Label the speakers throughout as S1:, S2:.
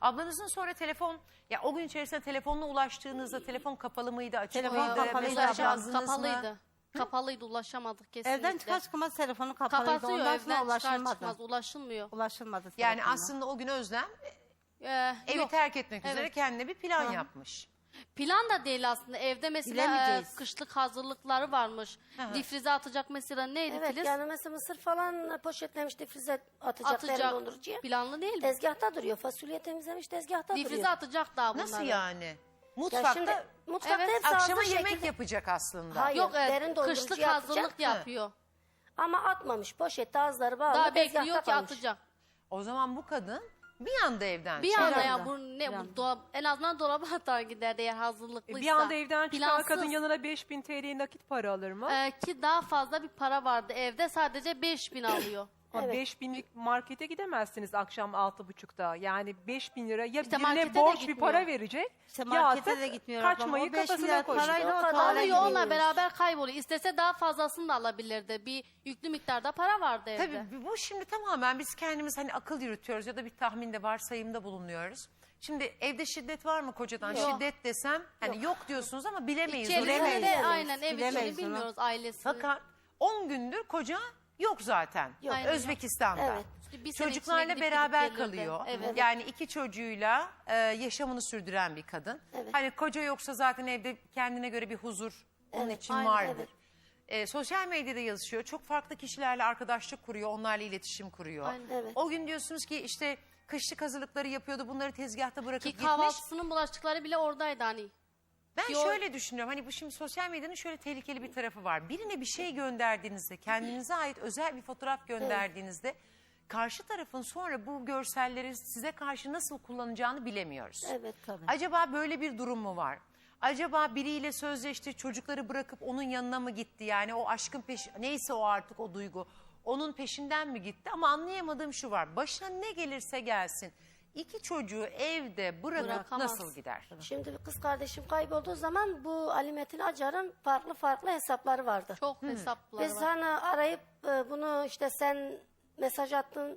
S1: Ablanızın sonra telefon, ya o gün içerisinde telefonla ulaştığınızda telefon kapalı mıydı, açık
S2: Telefon
S1: mıydı?
S2: kapalıydı,
S1: Mesaj
S2: abla.
S1: yazdınız mı?
S3: Kapalıydı. Kapalıydı, ulaşamadık kesinlikle.
S2: Evden çıkar çıkmaz telefonu kapalıydı.
S3: Kapatıyor,
S2: Ondan sonra
S3: evden çıkar
S2: ulaşılmadı.
S3: çıkmaz ulaşılmıyor.
S2: Ulaşılmadı
S1: Yani
S2: telefonla.
S1: aslında o gün Özlem evi
S3: Yok.
S1: terk etmek üzere
S3: Evet.
S1: kendine bir plan yapmış.
S3: Plan da değil aslında. Evde mesela
S2: Bilemeyeceğiz.
S3: kışlık hazırlıkları varmış. Difrize atacak mesela neydi
S4: Evet
S3: Filiz?
S4: yani mesela mısır falan poşetlemiş difrize atacak, derin
S3: Atacak.
S4: dondurucuya.
S3: Planlı değil mi?
S4: Tezgahta duruyor. Fasulye temizlemiş tezgahta
S3: Difrize
S4: duruyor.
S3: atacak daha bunları.
S1: Nasıl yani?
S4: Ya
S1: Mutfakta
S4: şimdi mutfakta
S3: Evet,
S4: hepsi
S1: akşama
S4: hazır
S1: yemek
S4: şekilde.
S1: yapacak aslında.
S4: Hayır,
S3: Yok
S4: derin dondurucuya
S3: kışlık
S4: atacak.
S3: hazırlık yapıyor.
S4: Ama atmamış. Poşette ağızları bağlı.
S3: Daha
S4: tezgahta
S3: bekliyor ki
S4: kalmış.
S3: atacak.
S1: O zaman bu kadın bir anda evden
S3: Bir
S1: çıkıyor.
S3: anda
S2: anda.
S3: ya bu ne bu dolap, en azından dolaba atar giderdi eğer hazırlıklıysa.
S5: Bir anda evden çıkan
S3: Plansız.
S5: kadın yanına 5000 TL nakit para alır mı?
S3: Ki daha fazla bir para vardı evde, sadece 5000 alıyor.
S5: Ama
S4: Evet.
S5: 5000'lik markete gidemezsiniz akşam 6.30'da. Yani 5000 lira ya
S3: İşte
S5: birine
S3: markete de
S5: borç bir
S3: gitmiyor.
S5: para verecek
S2: İşte
S5: ya
S2: markete
S5: da
S2: de gitmiyor ablam.
S5: kaçmayı
S2: O 5
S5: kafasına
S2: milyar
S5: koyuyor.
S2: parayla o
S4: O kadar
S2: tuvalete
S3: Alıyor, onunla
S4: gidiyoruz.
S3: beraber kayboluyor. İstese daha fazlasını da alabilirdi. Bir yüklü miktarda para vardı evde.
S1: Tabii bu şimdi tamamen biz kendimiz hani akıl yürütüyoruz ya da bir tahminde, varsayımda bulunuyoruz. Şimdi evde şiddet var mı kocadan?
S3: Yok.
S1: Şiddet desem hani yok diyorsunuz ama bilemeyiz.
S3: İçerisinde
S1: bilemeyiz.
S3: de aynen ev
S2: Bilemeyiz
S3: içini
S2: onu.
S3: bilmiyoruz, ailesini.
S1: Fakat 10 gündür koca yok zaten.
S4: Yok.
S3: Aynen.
S1: Özbekistan'da.
S4: Evet.
S3: İşte bir sene
S1: Çocuklarla
S3: içinde gidip
S1: beraber
S3: gelirdi.
S1: kalıyor.
S3: Evet.
S1: Yani 2 çocuğuyla yaşamını sürdüren bir kadın.
S4: Evet.
S1: Hani koca yoksa zaten evde kendine göre bir huzur onun
S4: Evet,
S1: için
S4: aynen,
S1: vardır. Sosyal medyada yazışıyor. Çok farklı kişilerle arkadaşlık kuruyor. Onlarla iletişim kuruyor.
S3: Aynen.
S4: Evet.
S1: O gün diyorsunuz ki işte kışlık hazırlıkları yapıyordu. Bunları tezgahta bırakıp
S3: Ki
S1: gitmiş.
S3: kahvaltısının bulaşıkları bile oradaydı hani.
S1: Ben
S3: Yo-
S1: şöyle düşünüyorum. Hani bu şimdi sosyal medyanın şöyle tehlikeli bir tarafı var. Birine bir şey gönderdiğinizde, kendinize ait özel bir fotoğraf gönderdiğinizde karşı tarafın sonra bu görselleri size karşı nasıl kullanacağını bilemiyoruz.
S4: Evet.
S2: Tabii.
S1: Acaba böyle bir durum mu var? Acaba biriyle sözleşti, çocukları bırakıp onun yanına mı gitti? Yani o aşkın neyse o artık o duygu. Onun peşinden mi gitti? Ama anlayamadığım şu var. Başına ne gelirse gelsin. 2 çocuğu evde bırakıp
S3: Bırakamaz.
S1: nasıl gider?
S4: Şimdi bir kız kardeşim kaybolduğu zaman bu Ali Metin Acar'ın farklı hesapları vardı.
S3: Çok hesapları
S4: Biz
S3: var.
S4: hani arayıp bunu işte sen mesaj attın,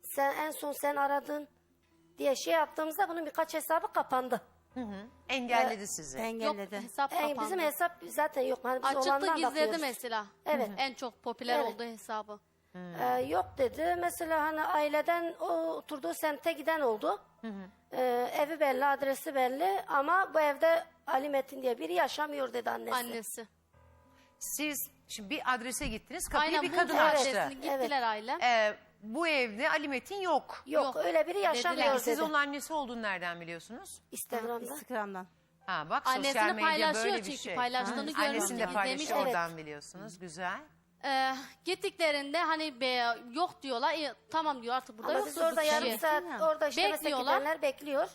S4: en son sen aradın diye şey yaptığımızda bunun birkaç hesabı kapandı.
S1: Engelledi sizi.
S3: Yok,
S2: Engelledi.
S3: hesap kapandı.
S4: Bizim hesap zaten yok. Hani biz
S3: Açıktı,
S4: olandan
S3: gizledi
S4: bakıyoruz.
S3: mesela.
S4: Evet.
S3: En çok popüler
S4: Evet.
S3: olduğu hesabı.
S4: Yok dedi. Mesela hani aileden o oturduğu semte giden oldu. Evi belli, adresi belli ama bu evde Ali Metin diye biri yaşamıyor dedi annesi.
S3: Annesi.
S1: Siz şimdi bir adrese gittiniz, kapıyı
S3: Aynen
S1: bir
S3: bu
S1: kadın
S3: adresini
S1: açtı.
S3: gittiler aile.
S1: Bu evde Ali Metin yok.
S4: Yok, öyle biri yaşamıyor
S3: Dediler.
S4: dedi.
S1: Siz onun annesi olduğunu nereden biliyorsunuz?
S4: Instagram'da.
S2: Instagram'dan.
S1: Ha bak
S3: Annesini
S1: sosyal medya
S3: paylaşıyor
S1: böyle bir
S3: çünkü,
S1: şey.
S3: paylaştığını görmüş,
S1: Annesini de
S3: izlemiş.
S1: paylaşıyor,
S4: Evet.
S1: oradan biliyorsunuz. Güzel.
S3: Gittiklerinde hani yok diyorlar. Tamam diyor, artık burada
S4: Ama
S3: yok.
S4: biz orada yarım saat orada işte mesela
S3: Bekliyorlar.
S4: gidenler bekliyor.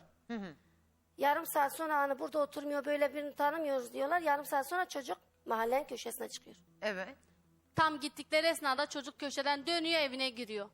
S4: Yarım saat sonra hani burada oturmuyor böyle birini tanımıyoruz diyorlar. Yarım saat sonra çocuk mahallenin köşesine çıkıyor.
S1: Evet.
S3: Tam gittikleri esnada çocuk köşeden dönüyor, evine giriyor.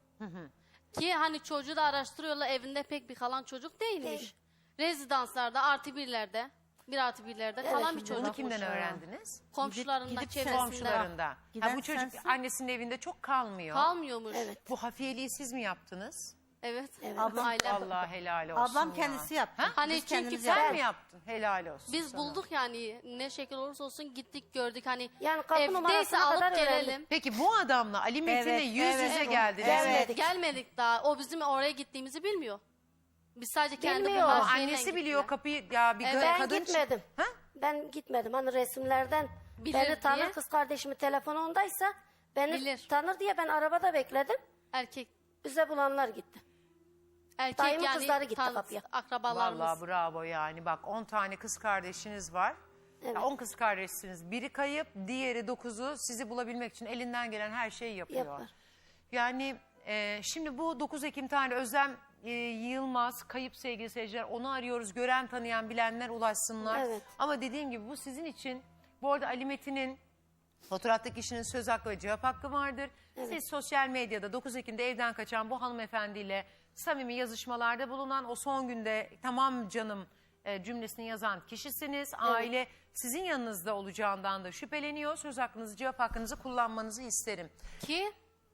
S3: Ki hani çocuğu da araştırıyorlar, evinde pek bir kalan çocuk değilmiş.
S4: Değil.
S3: Rezidanslarda, artı birlerde, 1+1'lerde kalan bir
S1: Bunu
S3: çocuk.
S1: kimden öğrendiniz?
S3: Komşularından,
S2: Gidip
S3: çevresinden.
S1: Komşularında. Ha,
S2: Giden
S1: bu çocuk
S2: sensin.
S1: annesinin evinde çok kalmıyor.
S3: Kalmıyormuş.
S4: Evet.
S1: Bu hafiyeliği siz mi yaptınız?
S3: Evet.
S2: Ablam-
S3: Ailem.
S1: Allah helal olsun
S2: Ablam
S1: ya.
S2: kendisi yaptı.
S3: Hani
S2: Biz
S3: çünkü
S2: kendimiz
S3: sen
S1: Sen
S2: yaptık.
S1: mi yaptın? Helal olsun.
S3: Biz
S1: sana.
S3: bulduk yani, ne şekil olursa olsun gittik gördük, hani
S4: Yani kapı
S3: evdeyse
S4: numarasına
S3: alıp
S4: kadar
S3: gelelim.
S4: öğrendim.
S1: Peki bu adamla Ali Metin'le
S2: Evet,
S1: yüz
S2: evet,
S1: yüze
S2: evet.
S1: geldiniz.
S4: Gelmedik.
S3: Gelmedik daha. O bizim oraya gittiğimizi bilmiyor. Biz sadece kendi
S4: Bilmiyor.
S3: bu
S1: Ama
S3: her şeyle
S1: annesi biliyor
S3: gittiler.
S1: kapıyı ya bir
S3: Evet.
S1: kadın.
S4: Ben gitmedim.
S1: Ha?
S4: Ben gitmedim. Hani resimlerden
S3: Bilir
S4: beni tanır,
S3: diye.
S4: kız kardeşimin telefonu ondaysa beni
S3: Bilir.
S4: tanır diye ben arabada bekledim.
S3: Erkek.
S4: Bize bulanlar gitti.
S3: Erkek
S4: Dayımın
S3: yani
S4: kızları gitti kapıya.
S3: akrabalarımız.
S1: Vallahi bravo yani bak 10 tane kız kardeşiniz var.
S4: Evet.
S1: 10 kız kardeşsiniz. Biri kayıp, diğeri 9'u sizi bulabilmek için elinden gelen her şeyi yapıyor.
S4: Yapar.
S1: Yani şimdi bu 9 Ekim tane Özlem Yılmaz kayıp sevgili seyirciler, onu arıyoruz. Gören, tanıyan, bilenler ulaşsınlar.
S4: Evet.
S1: Ama dediğim gibi bu sizin için, bu arada Ali Metin'in fotoğraftaki kişinin söz hakkı ve cevap hakkı vardır. Siz sosyal medyada 9 Ekim'de evden kaçan bu hanımefendiyle samimi yazışmalarda bulunan, o son günde tamam canım cümlesini yazan kişisiniz. Aile sizin yanınızda olacağından da şüpheleniyor. Söz hakkınızı, cevap hakkınızı kullanmanızı isterim.
S3: Ki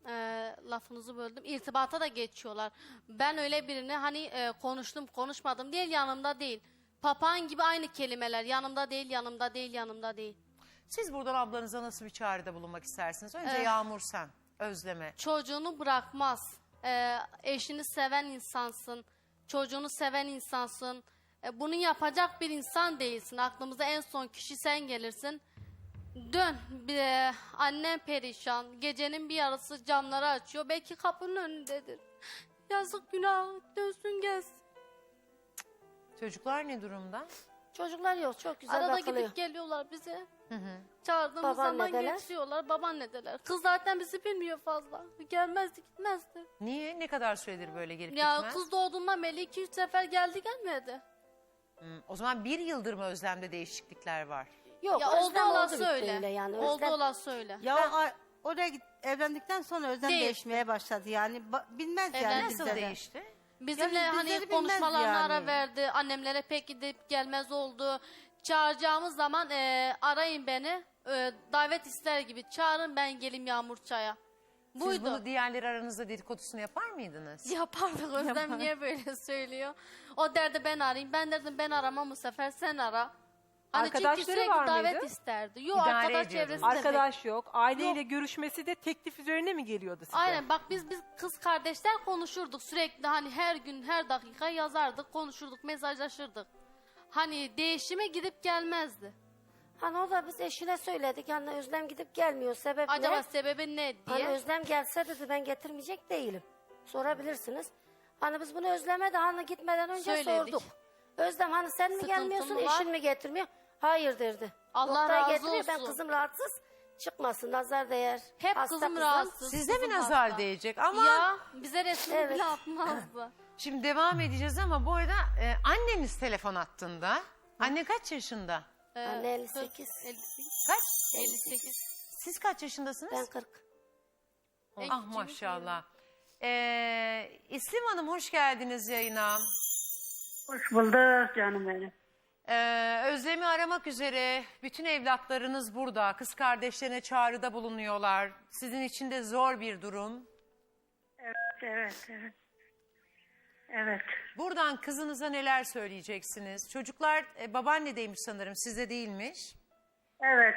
S3: lafınızı böldüm. İrtibata da geçiyorlar. Ben öyle birini hani konuştum konuşmadım değil, yanımda değil. Papağan gibi aynı kelimeler, yanımda değil, yanımda değil, yanımda değil.
S1: Siz buradan ablanıza nasıl bir çağrıda bulunmak istersiniz? Önce Yağmur sen, Özlem'e.
S3: Çocuğunu bırakmaz. Eşini seven insansın. Çocuğunu seven insansın. Bunu yapacak bir insan değilsin. Aklımıza en son kişi sen gelirsin. Dön. Annem perişan. Gecenin bir yarısı camları açıyor. Belki kapının önündedir. Yazık, günah. Dönsün gelsin.
S1: Çocuklar ne durumda?
S4: Çocuklar yok, çok güzel
S3: Arada
S4: bakılıyor.
S3: gidip geliyorlar bize. Çağırdığımız
S4: Babaannedeler.
S3: zaman getiriyorlar. Babaannedeler. Kız zaten bizi bilmiyor fazla. Gelmezdi, gitmezdi.
S1: Niye? Ne kadar süredir böyle gelip
S3: Ya
S1: gitmez?
S3: kız doğduğundan beri 2-3 sefer geldi gelmedi.
S1: O zaman 1 yıldır mı Özlem'de değişiklikler var?
S4: Yok,
S3: Ya oldu
S4: Özlem
S3: olan
S4: bitti
S3: söyle.
S4: öyle yani.
S3: Oldu
S4: Özlem-
S3: olan söyle.
S2: Ya oraya evlendikten sonra Özlem
S3: Değişti.
S2: değişmeye başladı yani. Bilmez yani
S3: Evlendi.
S1: Nasıl
S2: bizlere.
S1: değişti?
S3: Bizimle
S2: Yani
S3: hani
S2: bizleri bilmez
S3: konuşmalarına
S2: yani.
S3: ara verdi. Annemlere pek gidip gelmez oldu. Çağıracağımız zaman arayın beni. Davet ister gibi çağırın, ben gelim Yağmur Çay'a.
S1: Siz
S3: Buydu.
S1: bunu diğerleri aranızda dedikodusunu yapar mıydınız?
S3: Yapardık. Özlem niye böyle söylüyor? O derdi ben arayayım. Ben derdim ben aramam, bu sefer sen ara. Hani çünkü
S5: Arkadaşları
S3: sürekli
S5: var
S3: davet
S5: mıydı?
S3: isterdi. Yok,
S1: İdare
S3: arkadaş
S1: ediyordunuz.
S3: çevresi de pek.
S5: Arkadaş yok. Aileyle görüşmesi de teklif üzerine mi geliyordu size?
S3: Aynen, bak biz kız kardeşler konuşurduk sürekli, hani her gün her dakika yazardık, konuşurduk, mesajlaşırdık. Hani değişime gidip gelmezdi.
S4: Hani o da biz eşine söyledik. Yani Özlem gidip gelmiyor. Sebep
S3: Acaba
S4: ne?
S3: sebebi ne
S4: Hani
S3: diye.
S4: Özlem gelse dedi, ben getirmeyecek değilim. Sorabilirsiniz. Hani biz bunu Özlem'e de hani gitmeden önce
S3: Söyledik.
S4: sorduk. Özlem hani sen mi
S3: Sıkıntı
S4: gelmiyorsun,
S3: mı var?
S4: eşin mi getirmiyor? Hayır derdi.
S3: Allah
S4: Doktora
S3: razı
S4: getiriyor, ben
S3: olsun.
S4: kızım rahatsız çıkmasın, nazar değer.
S3: Hep
S4: Hasta
S3: kızım rahatsız.
S1: Sizde mi
S3: kızım
S1: nazar
S3: hasta.
S1: değecek? Ama
S3: Ya bize resmini
S4: Evet.
S3: bile atmazdı.
S1: şimdi devam edeceğiz ama bu arada anneniz telefon attığında. Anne kaç yaşında?
S4: Anne 58.
S3: 58.
S1: Kaç?
S3: 58.
S1: Siz kaç yaşındasınız?
S4: Ben 40.
S1: Ah maşallah. İslim Hanım hoş geldiniz yayına.
S6: Hoş bulduk canım benim.
S1: Özlem'i aramak üzere bütün evlatlarınız burada. Kız kardeşlerine çağrıda bulunuyorlar. Sizin için de zor bir durum.
S6: Evet. Evet.
S1: Buradan kızınıza neler söyleyeceksiniz? Çocuklar babaannedeymiş sanırım, sizde değilmiş.
S6: Evet.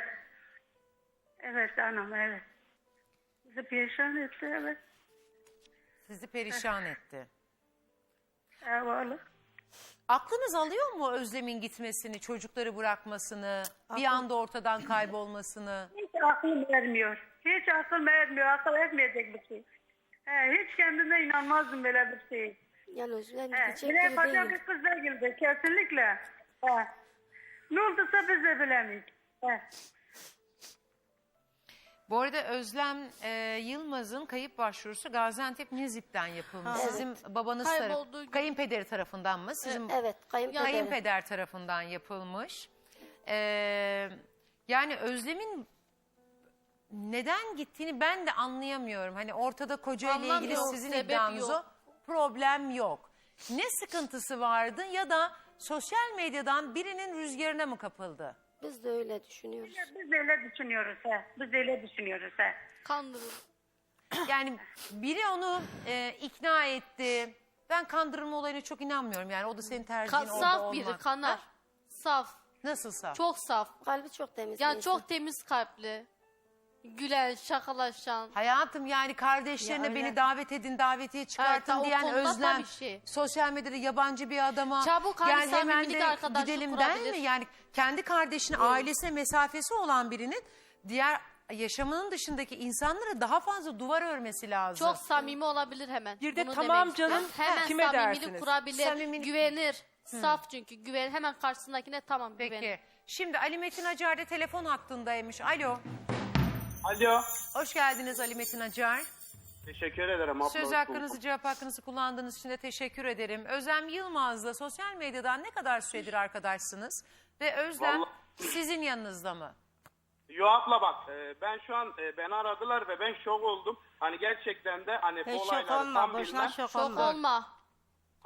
S6: Evet anam, evet. Bizi perişan etti, evet.
S1: Sizi perişan etti.
S6: Eyvallah.
S1: Aklınız alıyor mu Özlem'in gitmesini, çocukları bırakmasını, bir anda ortadan kaybolmasını?
S6: Hiç aklım vermiyor. Hiç aklım vermiyor. Akıl etmeyecek bir şey. Hiç kendime inanmazdım böyle bir şey.
S4: Yani Özlem
S6: He,
S4: gidecek
S6: bile
S4: gibi
S6: yapacak
S4: değil.
S6: bir kız değildi. Kesinlikle. He. Ne olduysa biz de bilemeyiz. He.
S1: Bu arada Özlem Yılmaz'ın kayıp başvurusu Gaziantep Nizip'ten yapılmış. Sizin babanız
S3: Kaybolduğu gün.
S1: kayınpederi tarafından mı? Sizin
S4: Evet, kayınpederi.
S1: kayınpeder tarafından yapılmış. Yani Özlem'in neden gittiğini ben de anlayamıyorum. Hani ortada kocayla ilgili
S3: Anlamıyorum,
S1: sizin
S3: sebep
S1: iddianız o.
S3: yok.
S1: Problem yok. Ne sıkıntısı vardı ya da sosyal medyadan birinin rüzgarına mı kapıldı?
S4: Biz de öyle düşünüyoruz.
S6: Biz de öyle düşünüyoruz. He. Biz de öyle düşünüyoruz. He.
S3: Kandırıldı.
S1: Yani biri onu ikna etti. Ben kandırılma olayına çok inanmıyorum. Yani o da senin tercihin orada
S3: Saf
S1: olmak.
S3: biri, kanar.
S1: Ha?
S3: Saf.
S1: Nasıl saf?
S3: Çok saf.
S4: Kalbi çok temiz.
S3: Yani
S4: bir insan.
S3: çok temiz kalpli. Gülen, şakalaşan.
S1: Hayatım yani kardeşlerine
S2: Ya öyle.
S1: beni davet edin, davetiye çıkartın
S3: Evet, o
S1: diyen
S3: konuda
S1: Özlem.
S3: tabii şey.
S1: Sosyal medyada yabancı bir adama
S3: Çabuk hani
S1: gel hemen
S3: samimilik,
S1: de
S3: arkadaşlık
S1: gidelim der
S3: kurabilir.
S1: mi? Yani kendi kardeşine, ailesine mesafesi olan birinin diğer yaşamının dışındaki insanlara daha fazla duvar örmesi lazım.
S3: Çok samimi olabilir hemen.
S5: Bir de
S3: Bunu
S5: tamam
S3: demek
S5: canım,
S3: istiyorum. Hemen
S5: kime
S3: samimilik
S5: dersiniz?
S3: kurabilir,
S1: Samimi-
S3: güvenir. Saf çünkü güven, hemen karşısındakine tamam güvenir.
S1: Peki. Şimdi Ali Metin Acar da telefon hattındaymış. Alo.
S7: Alo.
S1: Hoş geldiniz Ali Metin Acar.
S7: Teşekkür ederim abla.
S1: Söz hakkınızı, cevap hakkınızı kullandığınız için de teşekkür ederim. Özlem Yılmaz'la sosyal medyadan ne kadar süredir arkadaşsınız? Ve Özlem
S7: Vallahi-
S1: sizin yanınızda mı?
S7: Yo abla bak ben şu an beni aradılar ve ben şok oldum. Hani gerçekten de hani bu
S2: Şok
S7: olayları
S2: olma,
S7: tam
S2: boşuna
S7: bilmem.
S2: şok
S3: Şok
S2: olma.
S3: olma.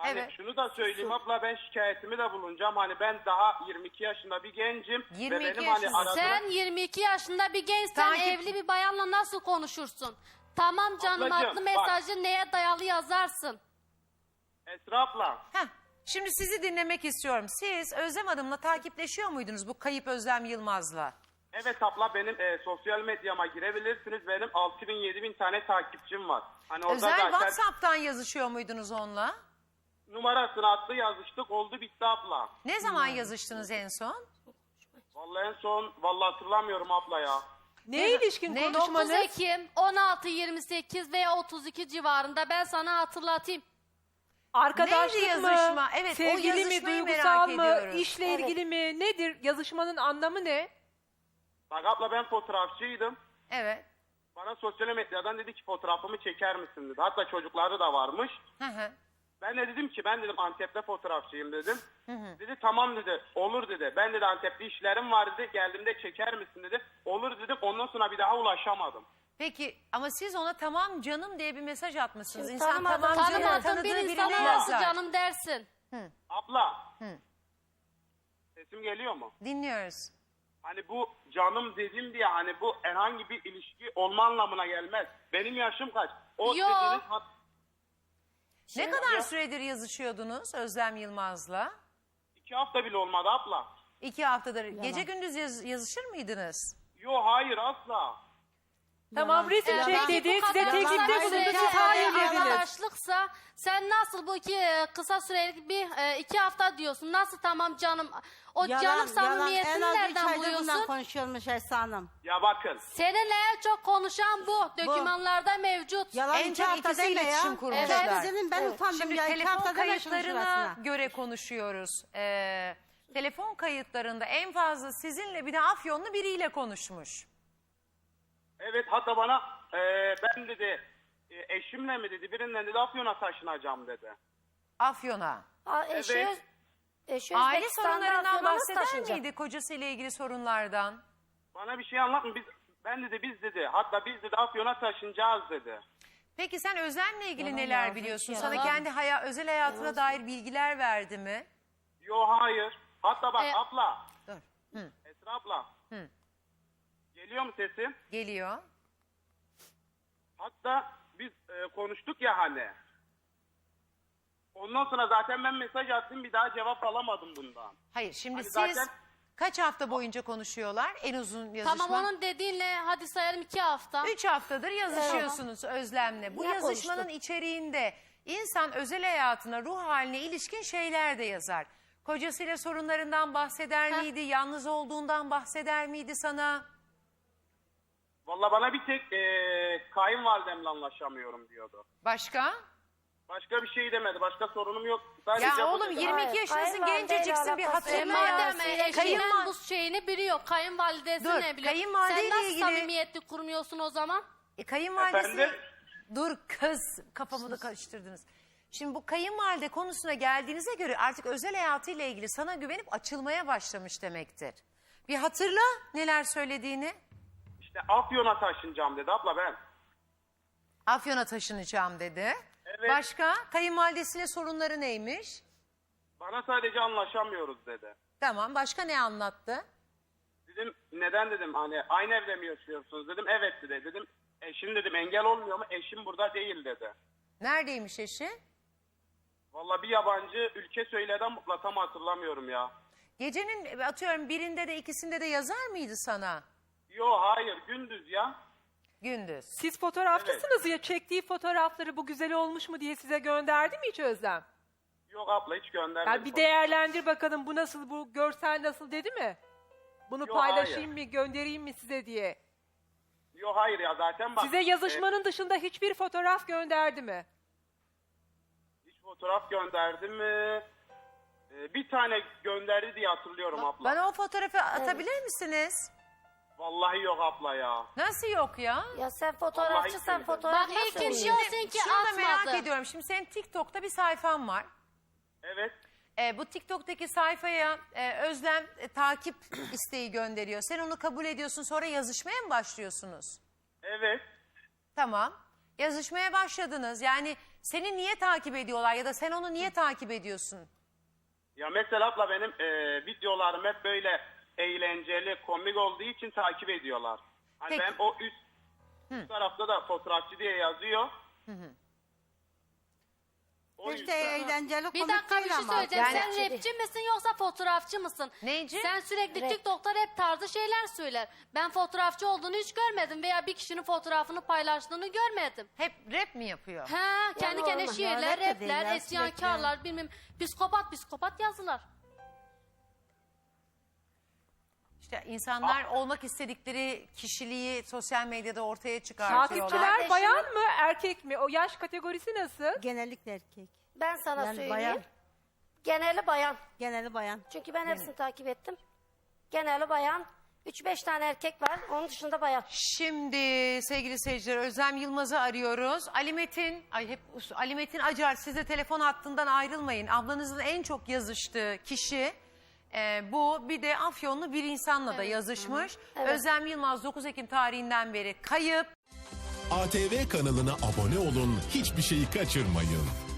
S7: Hani
S1: Evet.
S7: şunu da söyleyeyim abla, ben şikayetimi de bulunacağım. Hani ben daha 22 yaşında bir gencim.
S1: 22
S7: ve benim hani
S1: yaşındasın.
S3: Sen 22 yaşında bir gençsen
S1: Takip-
S3: evli bir bayanla nasıl konuşursun? Tamam canım,
S7: Ablacığım,
S3: adlı
S7: bak.
S3: mesajı neye dayalı yazarsın?
S7: Esra abla.
S1: Heh, şimdi sizi dinlemek istiyorum. Siz Özlem Hanım'la takipleşiyor muydunuz bu kayıp Özlem Yılmaz'la?
S7: Evet abla, benim sosyal medyama girebilirsiniz. Benim 6000-7000 tane takipçim var. Hani orada
S1: Özel
S7: zaten
S1: WhatsApp'tan yazışıyor muydunuz onunla?
S7: numarasını attı, yazıştık, oldu bitti abla.
S1: Ne zaman yazıştınız en son?
S7: Vallahi en son hatırlamıyorum abla ya.
S5: Ne ilişkin
S1: Ne?
S3: 9
S5: konuşmanız?
S3: Ekim 16-28 veya 32 civarında, ben sana hatırlatayım.
S5: Arkadaşlık
S1: Neydi
S5: mı?
S1: yazışma? Evet, o
S5: Sevgili mi?
S1: yazışmayı
S5: Duygusal
S1: merak
S5: mı?
S1: ediyoruz.
S5: İşle
S4: Evet.
S5: ilgili mi? Nedir? Yazışmanın anlamı ne?
S7: Bak abla, ben fotoğrafçıydım.
S1: Evet.
S7: Bana sosyal medyadan dedi ki fotoğrafımı çeker misin dedi. Hatta çocukları da varmış.
S1: Hı hı.
S7: Ben de dedim ki ben dedim Antep'te fotoğrafçıyım dedim. Dedi tamam dedi, olur dedi. Ben dedi Antep'te işlerim var dedi, geldiğimde çeker misin dedi. Olur dedim, ondan sonra bir daha ulaşamadım.
S1: Peki ama siz ona tamam canım diye bir mesaj atmışsınız.
S4: Şimdi
S1: İnsan
S4: tanımadığın-
S1: tamam canım
S3: Tanımadığın
S1: tanıdığı
S3: bir
S1: birine
S3: insana nasıl
S1: yazar.
S3: canım dersin?
S7: Abla. Sesim geliyor mu?
S1: Dinliyoruz.
S7: Hani bu canım dedim diye hani bu herhangi bir ilişki olma anlamına gelmez. Benim yaşım kaç? O
S3: Yo.
S7: dediğiniz
S1: Ne kadar süredir yazışıyordunuz Özlem Yılmaz'la?
S7: 2 hafta bile olmadı abla.
S1: 2 haftadır. Gece gündüz yazışır mıydınız?
S7: Yo hayır asla.
S5: Tamam, resim çek
S3: Peki
S5: dedi.
S3: bu
S5: Size
S3: kadar
S5: teklifte
S3: kısa
S5: bulundu.
S3: süreli
S5: Siz hayır dediniz.
S3: arkadaşlıksa sen nasıl bu kısa süreli bir 2 hafta diyorsun? Nasıl tamam canım? O canım samimiyetini
S2: En az 3
S3: nereden
S2: aydır bundan
S3: buluyorsun?
S2: konuşuyormuş Esra Hanım.
S7: Ya bakın.
S3: Seninle en çok konuşan bu. Dokümanlarda mevcut.
S2: Yalan
S1: En
S2: 2
S1: çok
S2: hafta
S1: ikisi
S2: deme ya.
S1: iletişim kurmuşlar.
S2: Evet. Dedim ben utandım
S1: Şimdi
S2: ya 2
S1: telefon
S2: hafta deme şunun
S1: kayıtlarına
S2: şurasına.
S1: göre konuşuyoruz. Telefon kayıtlarında en fazla sizinle bir de Afyonlu biriyle konuşmuş.
S7: Evet, hatta bana ben dedi eşimle mi dedi birinden dedi Afyon'a taşınacağım dedi.
S1: Afyon'a.
S4: Eşi,
S7: Evet.
S4: eşi
S1: Aile
S4: Özbekistan'da
S1: sorunlarından
S4: Afyon'a nasıl
S1: bahseder
S4: taşınacak?
S1: miydi kocasıyla ilgili sorunlardan?
S7: Bana bir şey anlatma, biz dedi hatta biz dedi Afyon'a taşınacağız dedi.
S1: Peki sen Özlem'le ilgili
S2: Yalan
S1: neler
S2: yazmış
S1: biliyorsun?
S2: ya.
S1: Sana
S3: Yalan.
S1: kendi özel hayatına dair bilgiler verdi mi?
S7: Yo hayır. Hatta bak abla.
S1: Dur.
S7: Esra abla.
S1: Hı.
S7: Geliyor mu sesim?
S1: Geliyor.
S7: Hatta biz konuştuk ya hani. Ondan sonra zaten ben mesaj attım, bir daha cevap alamadım bundan.
S1: Hayır şimdi
S7: Hani
S1: siz
S7: zaten-
S1: kaç hafta boyunca konuşuyorlar? En uzun yazışma.
S3: Tamam, onun dediğinle hadi sayalım 2 hafta.
S1: 3 haftadır yazışıyorsunuz Özlem'le. Bu
S4: Ne
S1: yazışmanın
S4: konuştuk?
S1: içeriğinde insan özel hayatına, ruh haline ilişkin şeyler de yazar. Kocasıyla sorunlarından bahseder miydi? Yalnız olduğundan bahseder miydi sana?
S7: Valla bana bir tek kayınvalidemle anlaşamıyorum diyordu.
S1: Başka?
S7: Başka bir şey demedi. Başka sorunum yok. Sadece
S1: Ya
S7: bu
S1: oğlum
S7: dedi.
S1: 22 yaşındasın,
S4: kayınvalideyle
S1: genceciksin, bir
S4: alakası yok.
S1: hatırla.
S3: Madem eşinin
S1: Kayınval-
S3: bu şeyini biliyor, kayınvalidesi
S1: Dur,
S3: ne biliyor?
S1: kayınvalideyle
S3: Sen nasıl
S1: ilgili-
S3: samimiyetli kurmuyorsun o zaman?
S1: Kayınvalidesi...
S7: Efendim?
S1: Dur kız, kafamı da karıştırdınız. Şimdi bu kayınvalide konusuna geldiğinize göre artık özel hayatıyla ilgili sana güvenip açılmaya başlamış demektir. Bir hatırla neler söylediğini.
S7: İşte Afyon'a taşınacağım dedi abla ben.
S1: Afyon'a taşınacağım dedi.
S7: Evet.
S1: Başka? Kayınvalidesiyle sorunları neymiş?
S7: Bana sadece anlaşamıyoruz dedi.
S1: Tamam, başka ne anlattı?
S7: Dedim neden dedim, hani aynı evde mi yaşıyorsunuz dedim. Evet dedi. Dedim eşim dedim engel olmuyor mu? Eşim burada değil dedi.
S1: Neredeymiş eşi?
S7: Valla bir yabancı ülke söyledi ama tam hatırlamıyorum ya.
S1: Gecenin atıyorum birinde de ikisinde de yazar mıydı sana?
S7: Yo hayır, gündüz ya.
S1: Gündüz.
S5: Siz fotoğrafçısınız ya, çektiği fotoğrafları bu güzel olmuş mu diye size gönderdi mi hiç Özlem?
S7: Yok abla, hiç göndermedi.
S5: Yani bir değerlendir bakalım, bu nasıl, bu görsel nasıl dedi mi? Bunu
S7: Yo,
S5: paylaşayım
S7: hayır.
S5: mı, göndereyim mi size diye.
S7: Yo hayır ya, zaten bak.
S5: Size yazışmanın dışında hiçbir fotoğraf gönderdi mi?
S7: Hiç fotoğraf gönderdi mi? Bir tane gönderdi diye hatırlıyorum abla.
S1: Bana o fotoğrafı atabilir misiniz?
S7: Vallahi yok abla ya.
S1: Nasıl yok ya?
S4: Ya sen
S7: Vallahi
S4: fotoğrafçısan
S7: billahi.
S4: fotoğraf
S3: Bak
S4: nasıl
S3: ilk
S4: oluyor?
S3: iş diyorsun ki
S1: Şunu da merak
S3: atmadı.
S1: ediyorum. Şimdi senin TikTok'ta bir sayfan var.
S7: Evet.
S1: Bu TikTok'taki sayfaya Özlem takip isteği gönderiyor. Sen onu kabul ediyorsun, sonra yazışmaya mı başlıyorsunuz?
S7: Evet.
S1: Tamam. Yazışmaya başladınız. Yani Seni niye takip ediyorlar ya da sen onu niye takip ediyorsun?
S7: Ya mesela abla benim videolarım hep böyle eğlenceli, komik olduğu için takip ediyorlar. Hani
S1: Peki.
S7: ben o üst tarafta da fotoğrafçı diye yazıyor. O
S2: Hiç de
S7: yüzden.
S2: eğlenceli
S3: Bir
S2: komik
S3: dakika bir
S2: değil
S3: şey
S2: ama.
S3: söyleyeceğim.
S1: Yani-
S3: Sen rapçi misin yoksa fotoğrafçı mısın?
S1: Neyci?
S3: Sen sürekli
S4: Rap.
S3: TikTok'ta rap tarzı şeyler söyler. Ben fotoğrafçı olduğunu hiç görmedim veya bir kişinin fotoğrafını paylaştığını görmedim.
S1: Hep rap mi yapıyor?
S3: He, kendi kendine
S4: normal.
S3: şiirler,
S2: Ya, rap de değil
S3: rapler,
S2: ya,
S3: isyankarlar, bilmem psikopat yazılar.
S1: İşte insanlar olmak istedikleri kişiliği sosyal medyada ortaya çıkartıyorlar.
S5: Takipçiler
S4: Kardeşim-
S5: bayan mı erkek mi? O yaş kategorisi nasıl?
S2: Genellikle erkek.
S4: Ben sana
S2: Yani
S4: söyleyeyim.
S2: bayan.
S4: Geneli bayan.
S2: Geneli bayan.
S4: Çünkü ben hepsini takip ettim. Geneli bayan. 3-5 tane erkek var. Onun dışında bayan.
S1: Şimdi sevgili seyirciler Özlem Yılmaz'ı arıyoruz. Ali Metin Acar, siz de telefon hattından ayrılmayın. Ablanızın en çok yazıştığı kişi bu. Bir de Afyonlu bir insanla da yazışmış. Özlem Yılmaz 9 Ekim tarihinden beri kayıp.
S8: ATV kanalına abone olun, hiçbir şeyi kaçırmayın.